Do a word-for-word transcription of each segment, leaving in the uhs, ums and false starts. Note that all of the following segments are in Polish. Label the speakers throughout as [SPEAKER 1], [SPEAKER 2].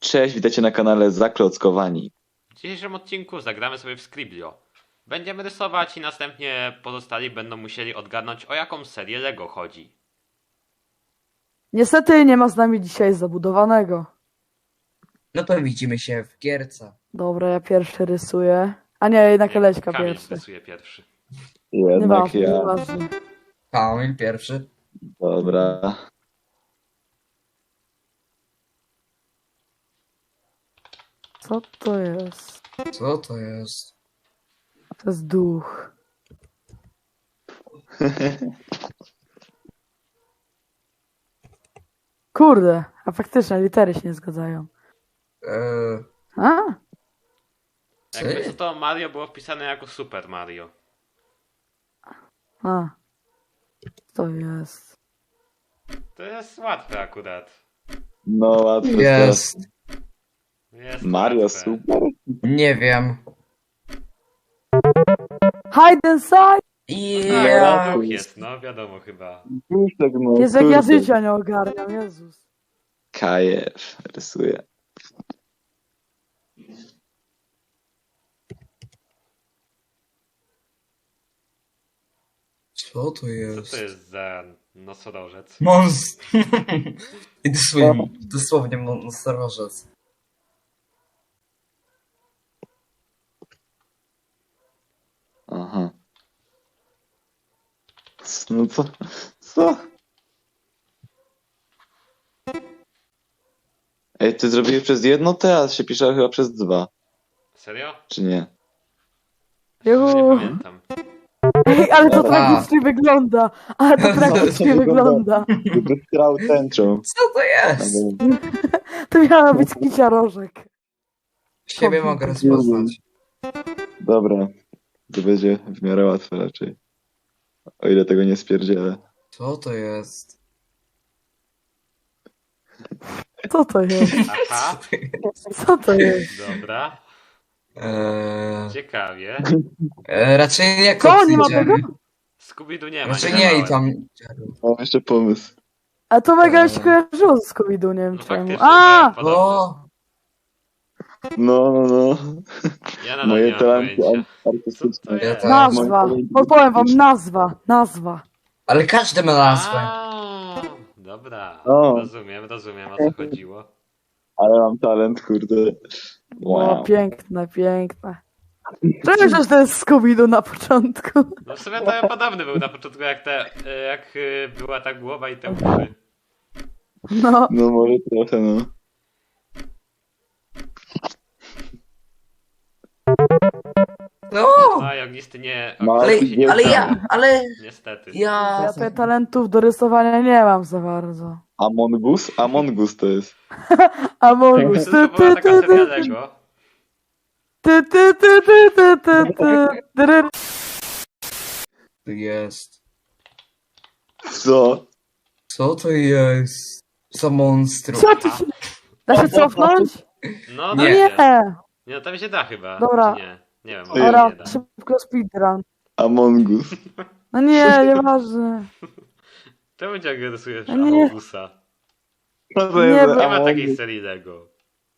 [SPEAKER 1] Cześć, witajcie na kanale Zaklockowani.
[SPEAKER 2] W dzisiejszym odcinku zagramy sobie w Scriblio. Będziemy rysować i następnie pozostali będą musieli odgadnąć, o jaką serię Lego chodzi.
[SPEAKER 3] Niestety nie ma z nami dzisiaj zabudowanego.
[SPEAKER 4] No to widzimy się w gierce.
[SPEAKER 3] Dobra, ja pierwszy rysuję. A nie, jednak Leśka
[SPEAKER 2] Kamil
[SPEAKER 3] pierwszy.
[SPEAKER 2] rysuje pierwszy.
[SPEAKER 1] Jednak
[SPEAKER 3] Nieważne,
[SPEAKER 1] ja.
[SPEAKER 3] nieważne.
[SPEAKER 4] Kamil pierwszy.
[SPEAKER 1] Dobra.
[SPEAKER 3] Co to jest?
[SPEAKER 4] Co to jest?
[SPEAKER 3] To jest duch. Kurde, a faktycznie litery się nie zgadzają.
[SPEAKER 4] Eee,
[SPEAKER 3] A?
[SPEAKER 4] co
[SPEAKER 2] Jakby co
[SPEAKER 4] jest?
[SPEAKER 2] to Mario było wpisane jako Super Mario.
[SPEAKER 3] A. Co to jest?
[SPEAKER 2] To jest łatwe akurat.
[SPEAKER 1] No łatwo.
[SPEAKER 4] Jest.
[SPEAKER 2] Jest
[SPEAKER 1] Mario
[SPEAKER 2] łatwe.
[SPEAKER 1] super.
[SPEAKER 4] Nie wiem.
[SPEAKER 3] Hide and seek!
[SPEAKER 2] A,
[SPEAKER 4] Ja.
[SPEAKER 2] to duch jest, no wiadomo chyba.
[SPEAKER 1] Puszek, no,
[SPEAKER 3] Jest jak ja
[SPEAKER 1] kurde.
[SPEAKER 3] życia nie ogarniam, Jezus.
[SPEAKER 1] Kajew rysuje.
[SPEAKER 4] Co to
[SPEAKER 2] Co
[SPEAKER 4] jest?
[SPEAKER 2] to jest za nosorożec?
[SPEAKER 4] Mons... I dosłownie, dosłownie monstorożec.
[SPEAKER 1] Aha. No co? Co? Ej, ty zrobiłeś przez jedno T, a się pisze chyba przez dwa.
[SPEAKER 2] Serio?
[SPEAKER 1] Czy nie?
[SPEAKER 2] Nie
[SPEAKER 3] Juhu.
[SPEAKER 2] pamiętam.
[SPEAKER 3] Ej, ale to
[SPEAKER 4] Dobra.
[SPEAKER 3] tragicznie wygląda. Ale to tragicznie wygląda.
[SPEAKER 1] Jakby strał tęczą.
[SPEAKER 4] Co to jest?
[SPEAKER 3] To miała być kicia rożek.
[SPEAKER 4] Siebie mogę rozpoznać.
[SPEAKER 1] Dobra. To będzie w miarę łatwe raczej. O ile tego nie spierdzielę.
[SPEAKER 4] Co to jest?
[SPEAKER 3] Co to jest?
[SPEAKER 2] Aha,
[SPEAKER 3] Co to jest?
[SPEAKER 2] dobra.
[SPEAKER 4] Eee,
[SPEAKER 2] Ciekawie.
[SPEAKER 4] e, raczej nie
[SPEAKER 3] Co, nie ma
[SPEAKER 4] Kopsydzian.
[SPEAKER 3] tego?
[SPEAKER 2] Scooby-Doo nie ma.
[SPEAKER 4] Raczej
[SPEAKER 2] nie
[SPEAKER 4] nie i
[SPEAKER 2] dawałem.
[SPEAKER 4] tam...
[SPEAKER 1] Mam jeszcze pomysł.
[SPEAKER 3] A to mega
[SPEAKER 4] Eee.
[SPEAKER 3] się kojarzyło z Scooby-Doo, nie wiem
[SPEAKER 2] No
[SPEAKER 3] czemu.
[SPEAKER 2] faktycznie,
[SPEAKER 3] A!
[SPEAKER 2] to podobne.
[SPEAKER 4] O!
[SPEAKER 1] No, no, no.
[SPEAKER 2] Ja nadal nie
[SPEAKER 1] Moje
[SPEAKER 2] mam
[SPEAKER 1] talenty
[SPEAKER 2] pojęcia.
[SPEAKER 1] artystyczne.
[SPEAKER 2] Co to jest?
[SPEAKER 3] Nazwa.
[SPEAKER 1] Moje-
[SPEAKER 3] Podpowiem wam, nazwa. Nazwa.
[SPEAKER 4] Ale każdy ma nazwę.
[SPEAKER 2] A, dobra,
[SPEAKER 1] O.
[SPEAKER 2] rozumiem, rozumiem o co chodziło.
[SPEAKER 1] Ale mam talent, kurde.
[SPEAKER 3] O,
[SPEAKER 1] Wow.
[SPEAKER 3] piękne, piękne. Cześć, że to jest Scooby-Doo na początku.
[SPEAKER 2] No w sumie to podobny był na początku jak te, jak y, była ta głowa i te uszy.
[SPEAKER 3] No.
[SPEAKER 1] No może trochę, no.
[SPEAKER 4] No!
[SPEAKER 2] A i ognisty nie...
[SPEAKER 1] No,
[SPEAKER 4] Ale,
[SPEAKER 2] ognisty się nie
[SPEAKER 4] ale
[SPEAKER 2] udało.
[SPEAKER 4] ja, ale
[SPEAKER 2] Niestety.
[SPEAKER 4] ja...
[SPEAKER 3] Ja tutaj talentów do rysowania nie mam za bardzo.
[SPEAKER 1] Among Us? Among Us to jest.
[SPEAKER 3] A Morgus.
[SPEAKER 2] To
[SPEAKER 3] Ty,
[SPEAKER 2] była
[SPEAKER 3] ty,
[SPEAKER 2] taka
[SPEAKER 3] ty,
[SPEAKER 2] seria
[SPEAKER 3] ty,
[SPEAKER 2] Lego.
[SPEAKER 3] ty, ty, ty, ty, ty, ty, ty, ty.
[SPEAKER 4] Jest.
[SPEAKER 1] Co?
[SPEAKER 4] Co to jest? Za monstrum.
[SPEAKER 3] Co ty się... Da się cofnąć?
[SPEAKER 2] No
[SPEAKER 4] Nie.
[SPEAKER 2] da
[SPEAKER 3] Nie.
[SPEAKER 2] się. Nie, no tam się da chyba.
[SPEAKER 3] Dobra.
[SPEAKER 2] Czy nie? Nie wiem,
[SPEAKER 1] Ej.
[SPEAKER 2] może
[SPEAKER 3] Dobra,
[SPEAKER 2] nie da.
[SPEAKER 3] szybko speedrun.
[SPEAKER 1] Among Us.
[SPEAKER 3] No nie, nieważne.
[SPEAKER 2] Czemu ciągle rysujesz
[SPEAKER 3] Nie.
[SPEAKER 2] Amogusa?
[SPEAKER 1] Co to
[SPEAKER 3] Nie,
[SPEAKER 1] jest
[SPEAKER 3] bo-
[SPEAKER 2] Nie ma
[SPEAKER 1] Among
[SPEAKER 2] takiej
[SPEAKER 1] Us?
[SPEAKER 2] serii Lego.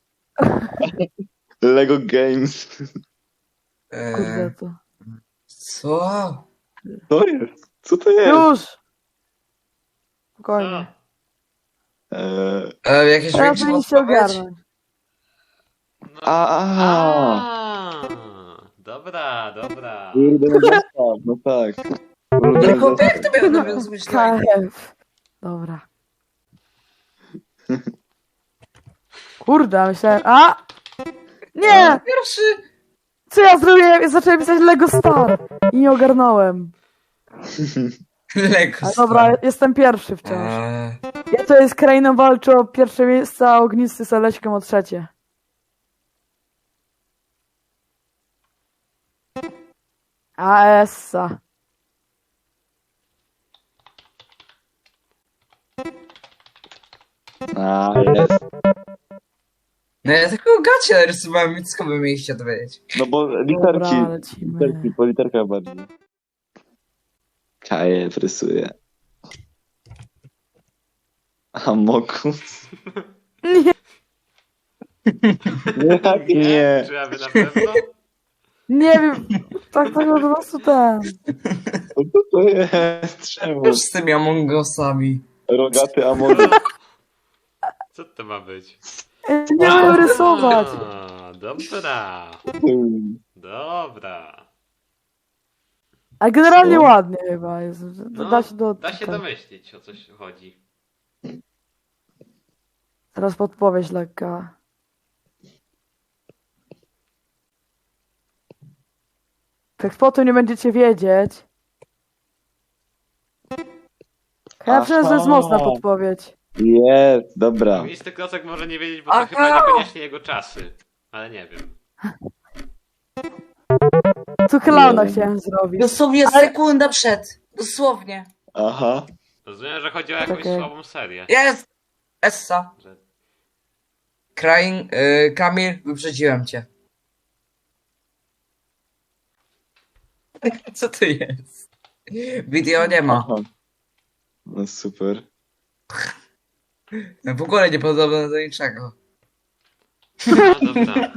[SPEAKER 1] Lego Games.
[SPEAKER 3] Kurde
[SPEAKER 4] Eee,
[SPEAKER 3] to.
[SPEAKER 4] co?
[SPEAKER 1] To jest? Co to jest?
[SPEAKER 3] Już!
[SPEAKER 2] Co?
[SPEAKER 3] Spokojnie.
[SPEAKER 1] Eee,
[SPEAKER 4] Eee, jakieś
[SPEAKER 3] Teraz
[SPEAKER 4] większe
[SPEAKER 3] powinniście
[SPEAKER 4] odpowiedź?
[SPEAKER 3] ogarnąć.
[SPEAKER 2] No.
[SPEAKER 1] a, a,
[SPEAKER 2] A, dobra, dobra.
[SPEAKER 1] Kurde, no zestaw, no tak. Kurde,
[SPEAKER 4] Ale chłopie, jak
[SPEAKER 1] zestaw.
[SPEAKER 4] to miał nawiązać do...
[SPEAKER 3] K F. Dobra. Kurde, myślałem... A! Nie!
[SPEAKER 4] Pierwszy!
[SPEAKER 3] Co ja zrobiłem? Zacząłem pisać Lego Star. I nie ogarnąłem.
[SPEAKER 4] Lego
[SPEAKER 3] Ale dobra, jestem pierwszy wciąż.
[SPEAKER 4] Eee,
[SPEAKER 3] Ja to jest krainą walczy o pierwsze miejsce, a ognisty z Aleśką o trzecie. A essa.
[SPEAKER 1] A, jest.
[SPEAKER 4] no ja tylko gacie rysowałem, więc skąd by mieliście dowiedzieć?
[SPEAKER 1] No bo
[SPEAKER 3] Dobra,
[SPEAKER 1] literki,
[SPEAKER 3] lecimy.
[SPEAKER 1] literki, po literkach bardziej. Kajew rysuje. Amogus.
[SPEAKER 3] Nie.
[SPEAKER 1] Jak nie?
[SPEAKER 2] Czy aby na pewno?
[SPEAKER 3] Nie wiem, tak tak po prostu ten.
[SPEAKER 1] Co to jest? Czemu?
[SPEAKER 4] Już z tymi Among Usami.
[SPEAKER 1] Rogaty Among
[SPEAKER 2] Co to ma być?
[SPEAKER 3] Nie umiem rysować.
[SPEAKER 2] A, dobra. Dobra.
[SPEAKER 3] A generalnie
[SPEAKER 1] Co?
[SPEAKER 3] ładnie chyba jest.
[SPEAKER 2] No,
[SPEAKER 3] Da się do.
[SPEAKER 2] da się
[SPEAKER 3] tak.
[SPEAKER 2] domyślić, o coś chodzi.
[SPEAKER 3] Teraz podpowiedź lekka. Tak po tym nie będziecie wiedzieć. Ja myślę, że to jest
[SPEAKER 1] Aha.
[SPEAKER 3] mocna podpowiedź.
[SPEAKER 1] Jest, dobra.
[SPEAKER 2] Misty Klocek może nie wiedzieć, bo to
[SPEAKER 4] Aha!
[SPEAKER 2] chyba niekoniecznie jego czasy. Ale nie wiem.
[SPEAKER 3] Tu klauna
[SPEAKER 1] Nie.
[SPEAKER 3] chciałem zrobić.
[SPEAKER 4] Dosłownie
[SPEAKER 3] Ale-
[SPEAKER 4] sekunda przed. Dosłownie.
[SPEAKER 1] Aha.
[SPEAKER 2] Rozumiem, że chodzi o jakąś
[SPEAKER 3] Okej.
[SPEAKER 2] słabą serię.
[SPEAKER 4] Jest! Essa.
[SPEAKER 2] Że...
[SPEAKER 4] Krain, y, Kamil, wyprzedziłem cię. Co to jest? Wideo nie ma.
[SPEAKER 1] Aha. No super.
[SPEAKER 4] W ogóle nie podobne do niczego.
[SPEAKER 2] No dobra.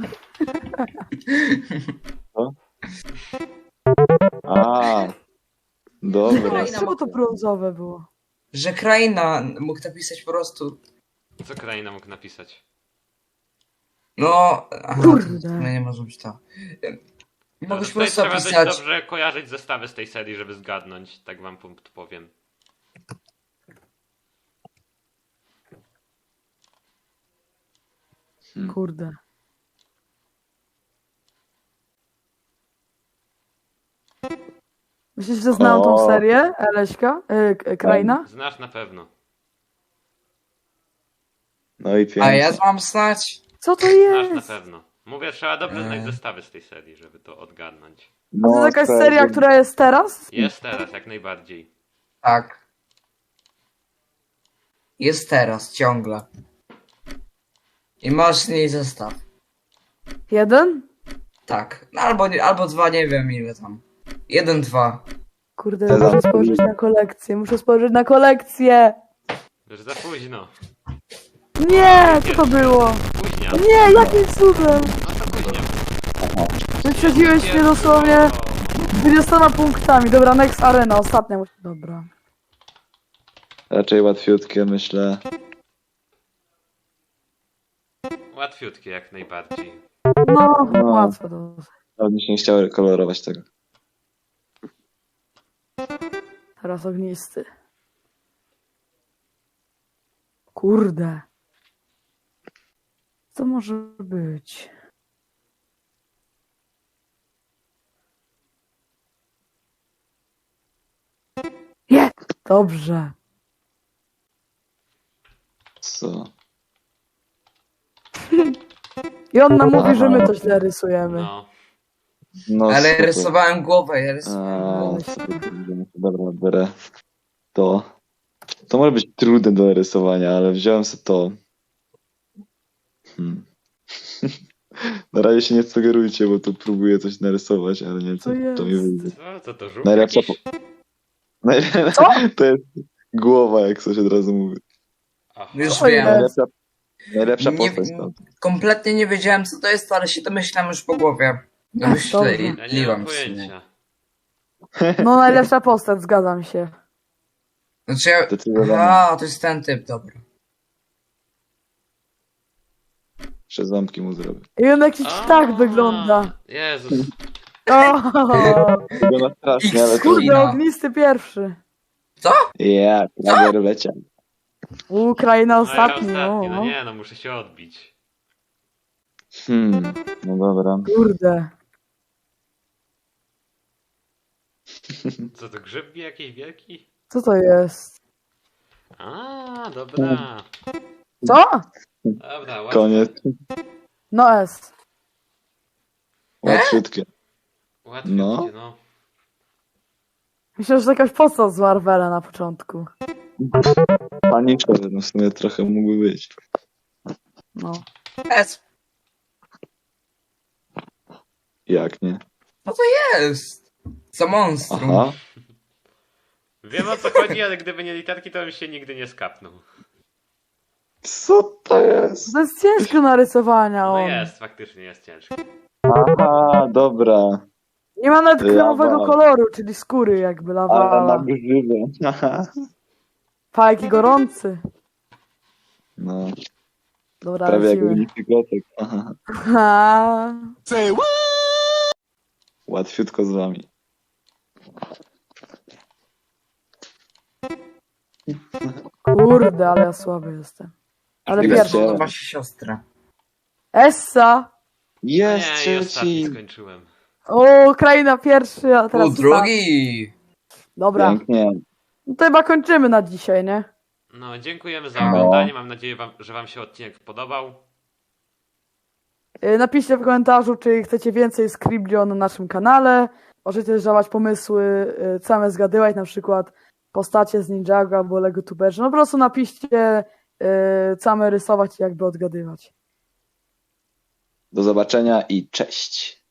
[SPEAKER 1] A. Dobra.
[SPEAKER 4] Kraina
[SPEAKER 3] Czemu to brązowe było?
[SPEAKER 4] Że kraina mógł napisać po prostu.
[SPEAKER 2] Co kraina mógł napisać?
[SPEAKER 4] No. Aha,
[SPEAKER 3] Kurde.
[SPEAKER 4] to nie może być to.
[SPEAKER 2] No,
[SPEAKER 4] Mogłeś po
[SPEAKER 2] tutaj
[SPEAKER 4] prostu
[SPEAKER 2] trzeba dość
[SPEAKER 4] napisać.
[SPEAKER 2] dobrze kojarzyć zestawy z tej serii, żeby zgadnąć. Tak wam punkt powiem.
[SPEAKER 3] Kurde. Myślisz, że znam tą
[SPEAKER 1] O.
[SPEAKER 3] serię? Eleśka? Yy, k- Kraina?
[SPEAKER 2] Znasz na pewno.
[SPEAKER 1] No i
[SPEAKER 4] A
[SPEAKER 1] pięknie.
[SPEAKER 4] ja mam znać.
[SPEAKER 3] Co to
[SPEAKER 2] Znasz na
[SPEAKER 3] jest?
[SPEAKER 2] pewno. Mówię, trzeba dobrze znać
[SPEAKER 4] Eee.
[SPEAKER 2] zestawy z tej serii, żeby to odgadnąć.
[SPEAKER 3] A to jest jakaś
[SPEAKER 1] tak,
[SPEAKER 3] seria, która jest teraz?
[SPEAKER 2] Jest teraz, jak najbardziej.
[SPEAKER 4] Tak. Jest teraz, ciągle. I masz z niej zestaw.
[SPEAKER 3] Jeden?
[SPEAKER 4] Tak. No, albo, nie- albo dwa, nie wiem ile tam. Jeden, dwa.
[SPEAKER 3] Kurde,
[SPEAKER 1] Te
[SPEAKER 3] muszę
[SPEAKER 1] zamki.
[SPEAKER 3] spojrzeć na kolekcję, muszę spojrzeć na kolekcję!
[SPEAKER 2] Już za późno.
[SPEAKER 3] Nie, co to było?
[SPEAKER 2] Późnia.
[SPEAKER 3] Nie, jakim cudem?
[SPEAKER 2] No to późnia.
[SPEAKER 3] Wyprzedziłeś mnie dosłownie dwudziestoma punktami. Dobra, next arena, ostatnia. musi- Dobra.
[SPEAKER 1] Raczej łatwiutkie, myślę.
[SPEAKER 2] Łatwiutkie jak najbardziej.
[SPEAKER 3] No,
[SPEAKER 1] No.
[SPEAKER 3] łatwo to.
[SPEAKER 1] Ale mi się nie chciało kolorować tego.
[SPEAKER 3] Teraz ognisty. Kurde. Co może być? Nie! Dobrze.
[SPEAKER 1] Co?
[SPEAKER 3] I on nam mówi, że my to źle rysujemy.
[SPEAKER 2] No.
[SPEAKER 1] No,
[SPEAKER 4] Ale
[SPEAKER 1] super.
[SPEAKER 4] rysowałem głowę, ja rysowałem
[SPEAKER 1] A,
[SPEAKER 4] głowę.
[SPEAKER 1] dobra, biorę to. To może być trudne do narysowania, ale wziąłem sobie to. Hmm. Na razie się nie sugerujcie, bo tu próbuję coś narysować, ale nie wiem, co
[SPEAKER 3] To
[SPEAKER 1] to mi
[SPEAKER 3] jest.
[SPEAKER 1] wyjdzie.
[SPEAKER 2] Co, co to żółw
[SPEAKER 1] Najlepsza
[SPEAKER 2] jakiś?
[SPEAKER 1] Najle-
[SPEAKER 3] Co?
[SPEAKER 1] To jest głowa, jak coś od razu mówi.
[SPEAKER 2] Aha.
[SPEAKER 4] Już
[SPEAKER 3] Co
[SPEAKER 4] wiem.
[SPEAKER 3] jest?
[SPEAKER 1] Najlepsza, najlepsza
[SPEAKER 4] Nie-
[SPEAKER 1] postać tam.
[SPEAKER 4] Kompletnie nie wiedziałem co to jest, ale się domyślam już po głowie.
[SPEAKER 3] Dobrze.
[SPEAKER 4] Domyśliłam
[SPEAKER 2] Ja nie mam
[SPEAKER 4] w sumie.
[SPEAKER 2] pojęcia.
[SPEAKER 3] No najlepsza postać, zgadzam się.
[SPEAKER 4] Znaczy ja...
[SPEAKER 1] Zdecydowanie.
[SPEAKER 4] A, to jest ten typ, dobra.
[SPEAKER 1] Jeszcze ząbki mu zrobię.
[SPEAKER 3] I on jakiś
[SPEAKER 2] A,
[SPEAKER 3] tak wygląda.
[SPEAKER 2] Jezus.
[SPEAKER 3] O,
[SPEAKER 1] Wygląda strasznie, ale to...
[SPEAKER 3] kurde,
[SPEAKER 4] Kina.
[SPEAKER 3] ognisty pierwszy.
[SPEAKER 1] Ja, prawie leciał.
[SPEAKER 3] Ukraina
[SPEAKER 2] No ja
[SPEAKER 3] ostatni.
[SPEAKER 2] ostatni, no
[SPEAKER 3] o.
[SPEAKER 2] nie, no muszę się odbić.
[SPEAKER 1] Hmm, no dobra.
[SPEAKER 3] Kurde.
[SPEAKER 2] Co to, grzyb jakiś wielki?
[SPEAKER 3] Co to jest?
[SPEAKER 2] A, dobra.
[SPEAKER 3] Co?
[SPEAKER 2] Dobra, łatwo.
[SPEAKER 1] Koniec.
[SPEAKER 3] No S.
[SPEAKER 1] Łatwiutkie.
[SPEAKER 2] Łatwiej
[SPEAKER 1] No.
[SPEAKER 2] będzie, no.
[SPEAKER 3] Myślę, że to jakaś postać z Marvela na początku.
[SPEAKER 1] Paniczka, no w sumie trochę mógłby być.
[SPEAKER 3] No.
[SPEAKER 4] S.
[SPEAKER 1] Jak nie?
[SPEAKER 4] Jest. Za monstrum.
[SPEAKER 1] Aha.
[SPEAKER 2] Wiem o co chodzi, ale gdyby nie literki, to bym się nigdy nie skapnął.
[SPEAKER 1] Co to jest?
[SPEAKER 3] To jest ciężko narysowania
[SPEAKER 2] No
[SPEAKER 3] on.
[SPEAKER 2] jest, faktycznie jest ciężki.
[SPEAKER 1] Aha, dobra.
[SPEAKER 3] Nie ma nawet
[SPEAKER 1] Lawa.
[SPEAKER 3] kremowego koloru, czyli skóry jakby
[SPEAKER 1] Ale na
[SPEAKER 3] lawala.
[SPEAKER 1] grzywę. Haha.
[SPEAKER 3] Fajki gorący.
[SPEAKER 1] No,
[SPEAKER 3] Dobra,
[SPEAKER 1] prawie jak
[SPEAKER 3] lecimy.
[SPEAKER 1] unifikotek. Aha.
[SPEAKER 3] Ha.
[SPEAKER 1] Łatwiutko z wami.
[SPEAKER 3] Kurde, ale ja słaby jestem. Ale
[SPEAKER 1] Tylko
[SPEAKER 3] pierwszy.
[SPEAKER 1] chciałem.
[SPEAKER 4] Podoba się siostra.
[SPEAKER 3] Essa.
[SPEAKER 1] Jest
[SPEAKER 2] Nie, i ostatni
[SPEAKER 1] trzeci.
[SPEAKER 2] skończyłem.
[SPEAKER 3] O, kraina pierwszy, a teraz
[SPEAKER 4] O, drugi!
[SPEAKER 3] Dobra,
[SPEAKER 1] Pięknie.
[SPEAKER 3] no to chyba kończymy na dzisiaj, nie?
[SPEAKER 2] No, dziękujemy za oglądanie. Mam nadzieję, wam, że wam się odcinek podobał.
[SPEAKER 3] Yy, Napiszcie w komentarzu, czy chcecie więcej Scriblio na naszym kanale. Możecie też dawać pomysły, yy, same zgadywać, na przykład postacie z Ninjago albo Lego Tuberzy. No po prostu napiszcie, yy, same rysować i jakby odgadywać.
[SPEAKER 1] Do zobaczenia i cześć.